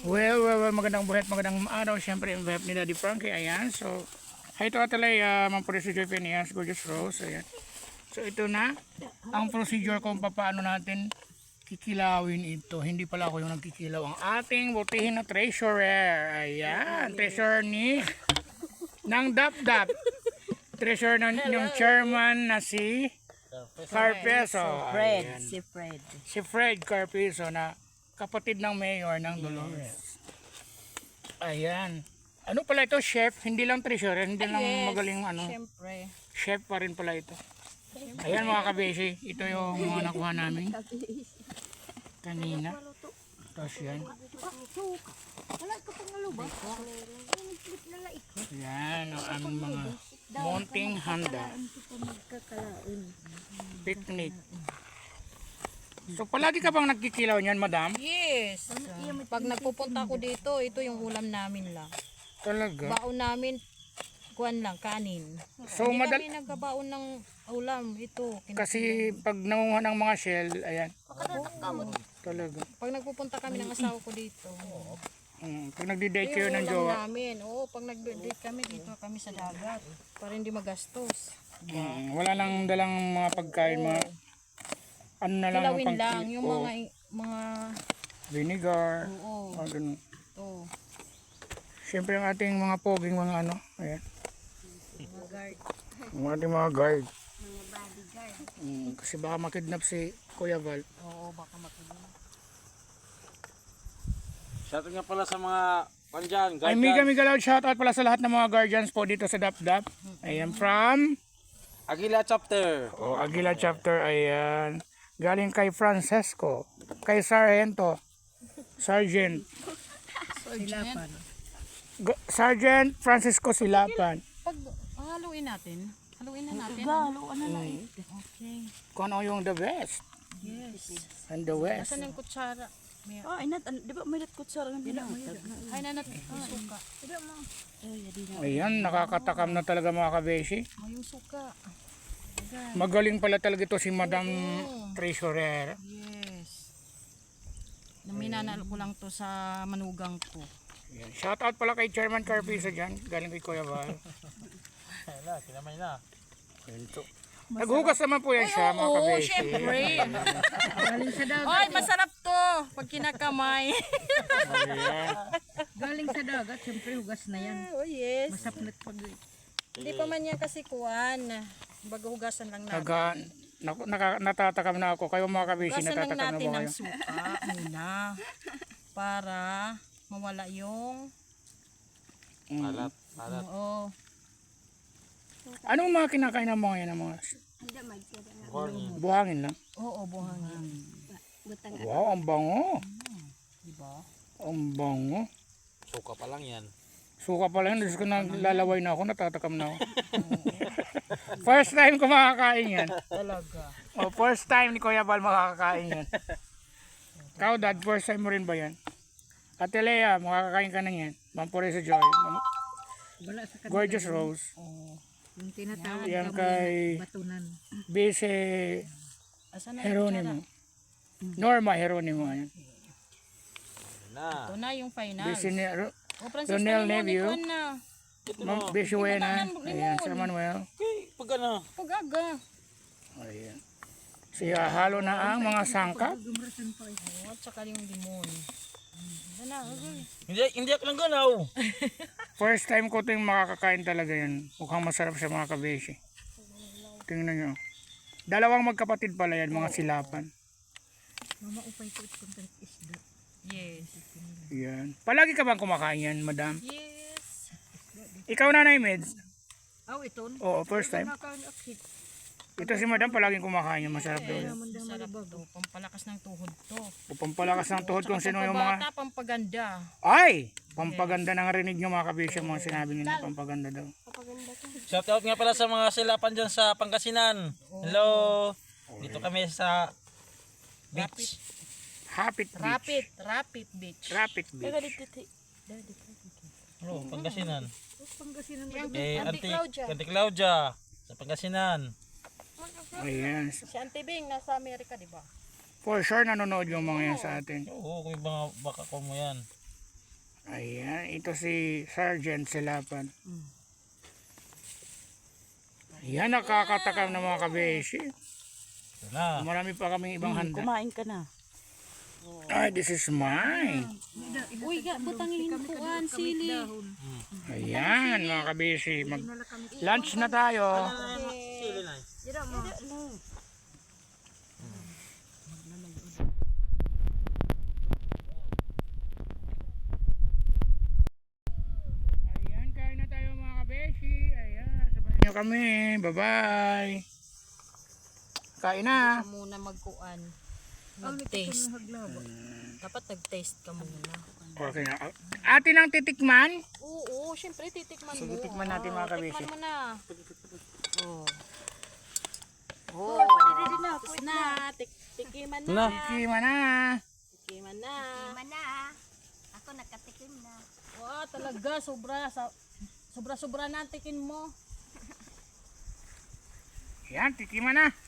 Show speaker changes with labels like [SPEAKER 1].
[SPEAKER 1] Well, magandang buhay at magandang araw. Siyempre, yung buhay ni Daddy Frankie. Ayan, so, hi to atalay, procedure Phineas, Gorgeous Rose. Ayan. So, ito na, ang procedure kung paano natin kikilawin ito. Hindi pala ako yung nagkikilaw. Ang ating butihin na treasurer. Ayan, treasurer ng DapDap. Treasurer ng yung chairman na si Carpeso. Ayan. Si Fred Carpeso na kapatid ng mayor ng Dolores. Ayan. Ano pala ito, chef? Hindi lang treasurer, hindi lang magaling
[SPEAKER 2] Siyempre.
[SPEAKER 1] chef pa rin pala ito. Ayan mga kabeshi, ito yung mga nakuha namin kanina. Tapos yan. Yan ang aming mga munting handa. Picnic. So palagi ka bang nagkikilaw niyan, madam?
[SPEAKER 2] Yes. Pag nagpupunta ako dito, ito yung ulam namin lang.
[SPEAKER 1] Talaga?
[SPEAKER 2] Baon namin, kuwan lang, kanin.
[SPEAKER 1] So
[SPEAKER 2] Hindi
[SPEAKER 1] madal
[SPEAKER 2] kami nagkabaon ng ulam. Ito.
[SPEAKER 1] kasi pag nangunguha ng mga shell, ayan. Talaga.
[SPEAKER 2] Pag nagpupunta kami ng asawa ko dito.
[SPEAKER 1] Pag nagdi-date kayo ng
[SPEAKER 2] ulam
[SPEAKER 1] jowa,
[SPEAKER 2] namin. Oo, pag nag-date kami dito kami sa dagat. Para hindi magastos.
[SPEAKER 1] wala lang dalang mga pagkain, mga ano na lang
[SPEAKER 2] Kilawin
[SPEAKER 1] pang-
[SPEAKER 2] lang. Yung
[SPEAKER 1] oo,
[SPEAKER 2] mga
[SPEAKER 1] vinegar,
[SPEAKER 2] oo.
[SPEAKER 1] mga ganun.
[SPEAKER 2] Ito.
[SPEAKER 1] Siyempre ang ating mga poging mga ano, ayan. Ang ating mga guard. Kasi baka makidnap si Kuya Val.
[SPEAKER 2] Oo, baka makinig.
[SPEAKER 3] Shoutout nga pala sa mga pandyan,
[SPEAKER 1] Ay, mega loud shoutout pala sa lahat ng mga guardians po dito sa DapDap. Ayan, from
[SPEAKER 3] Aguila Chapter.
[SPEAKER 1] Aguila Chapter, ayan. Galing kay Francesco, kay Sargento, Sergeant Francisco Silapan.
[SPEAKER 2] Pag haluin natin, haluin na natin. Okay.
[SPEAKER 1] Kung ano yung the best and the west.
[SPEAKER 2] Asan yung kutsara?
[SPEAKER 4] Di ba may kutsara ng pinamay?
[SPEAKER 2] Ay, nanat, suka.
[SPEAKER 1] Ayan, nakakatakam na talaga mga kabeshi.
[SPEAKER 2] Yung suka.
[SPEAKER 1] Magaling pala talaga ito si Madam Treasurer.
[SPEAKER 2] Yes. Naminanal ko lang to sa manugang ko.
[SPEAKER 1] Ayan. Shoutout pala kay Chairman Carpisa dyan. Galing kay Kuya Val.
[SPEAKER 3] Ayun na, kinamay na.
[SPEAKER 1] Naghugas naman po yan siya mga
[SPEAKER 2] Oo,
[SPEAKER 1] kabeshi.
[SPEAKER 2] syempre. Ay, masarap to. Pag kinakamay.
[SPEAKER 4] Galing sa dagat, siyempre hugas na yan.
[SPEAKER 2] Oh, yes.
[SPEAKER 4] Masapnat pag
[SPEAKER 2] Hindi pa man yan kasi kuwan. Bago hugasan lang natin.
[SPEAKER 1] Natatakam na ako. Kayo mga kabeshi,
[SPEAKER 2] Hugasan lang
[SPEAKER 1] natatakam na
[SPEAKER 2] natin
[SPEAKER 1] ba
[SPEAKER 2] ng
[SPEAKER 1] kayo?
[SPEAKER 2] suka muna. Para mawala yung...
[SPEAKER 3] Palat.
[SPEAKER 2] Oo.
[SPEAKER 1] Anong mga kinakain ng mga yan? Ng mga buhangin lang?
[SPEAKER 2] Oo, buhangin.
[SPEAKER 1] Wow, ang bango.
[SPEAKER 2] Diba?
[SPEAKER 1] Ang bango.
[SPEAKER 3] Suka pa lang yan.
[SPEAKER 1] Suka pala yun. Diyos ko, naglalaway na ako. Natatakam na ako. First time ko makakain yan.
[SPEAKER 2] Talaga.
[SPEAKER 1] First time ni Kuya Val makakakain yan. Ikaw, Dad, first time mo rin ba yan? Ate Lea, makakakain ka na yan. Mampore sa Joy.
[SPEAKER 4] wala sa kanila.
[SPEAKER 1] Gorgeous Rose.
[SPEAKER 4] Yung tinatawag
[SPEAKER 1] Yan
[SPEAKER 4] kami
[SPEAKER 1] kay
[SPEAKER 4] batunan.
[SPEAKER 1] Bese
[SPEAKER 2] Asan na yung kutsara?
[SPEAKER 1] Heronimo. Norma Heronimo. Ayan.
[SPEAKER 3] Ayun na.
[SPEAKER 2] Ito na yung final.
[SPEAKER 1] Bese ni
[SPEAKER 2] O, Francisco,
[SPEAKER 1] Ronel
[SPEAKER 2] limon,
[SPEAKER 1] Neville.
[SPEAKER 2] ikuan na.
[SPEAKER 1] Bese Wena.
[SPEAKER 2] limon.
[SPEAKER 1] Ayan, Sir Manuel.
[SPEAKER 3] Okay, pag ano.
[SPEAKER 2] Pagaga.
[SPEAKER 1] Ayan. Siya halo na ang mga sangkap.
[SPEAKER 2] At saka yung limon. Ito na, okay.
[SPEAKER 3] Hindi ako lang ganaw.
[SPEAKER 1] First time ko ito yung makakakain talaga yan. Mukhang masarap siya mga kabeshi. Tingnan nyo. Dalawang magkapatid pala yan, mga silapan.
[SPEAKER 4] Mama, upay ko itong isda.
[SPEAKER 2] Yes.
[SPEAKER 1] Yan. Palagi ka bang kumakain yan, madam?
[SPEAKER 2] Yes.
[SPEAKER 1] Ikaw, Nanay Meds?
[SPEAKER 4] Aw, ito.
[SPEAKER 1] Oo, first time.
[SPEAKER 4] Nakakakit.
[SPEAKER 1] Ito si madam palaging kumakain yan. Masarap daw yan.
[SPEAKER 2] Sarap to. Pampalakas ng tuhod to.
[SPEAKER 1] O pampalakas ng tuhod kung sino yung mga...
[SPEAKER 2] Pampabata, pampaganda.
[SPEAKER 1] Ay! Pampaganda ng rinig nyo mga kabisyo. Mga sinabi nyo na pampaganda daw.
[SPEAKER 3] Shoutout nga pala sa mga silapan dyan sa Pangasinan. Hello. Dito kami sa beach.
[SPEAKER 1] Rapid Beach.
[SPEAKER 2] Rapid beach.
[SPEAKER 1] Rapid Beach.
[SPEAKER 3] Hello, Pangasinan.
[SPEAKER 4] Pangasinan
[SPEAKER 2] Auntie Claudia.
[SPEAKER 3] Auntie Claudia. Sa Pangasinan.
[SPEAKER 1] Ayan.
[SPEAKER 2] Si Auntie Bing nasa Amerika, di ba?
[SPEAKER 1] For sure nanonood yung mga yan sa atin.
[SPEAKER 3] Oo, kung yung mga baka ko mo yan.
[SPEAKER 1] Ayan, ito si Sergeant Silapan. Ayan, nakakatakam na mga kabeshi.
[SPEAKER 3] Ito na.
[SPEAKER 1] Marami pa kaming ibang handa.
[SPEAKER 2] Kumain ka na.
[SPEAKER 1] Ay, this is mine.
[SPEAKER 2] Uy, butangin kuan, sili.
[SPEAKER 1] Ayan, mga kabeshi. Lunch na tayo.
[SPEAKER 3] Sili na.
[SPEAKER 1] Ayan, kain na tayo mga kabeshi. Ayan, sabayan nyo kami. Bye-bye. Kain na.
[SPEAKER 2] Muna magkuan. Mag-taste. Dapat nag-taste ka muna.
[SPEAKER 1] Okay na. Atin ang titikman.
[SPEAKER 2] Oo, syempre titikman mo.
[SPEAKER 1] Sige, tikman natin mga kabeshi.
[SPEAKER 2] Tikman mo na. Oh. Oh, tapos na. Tikiman na.
[SPEAKER 3] Na.
[SPEAKER 1] Tikman na.
[SPEAKER 2] Tikiman na.
[SPEAKER 4] Mana. Ako nakatikim na.
[SPEAKER 2] Wow, talaga. Sobra-sobra na ang tikin mo.
[SPEAKER 1] Ayan, tikiman na.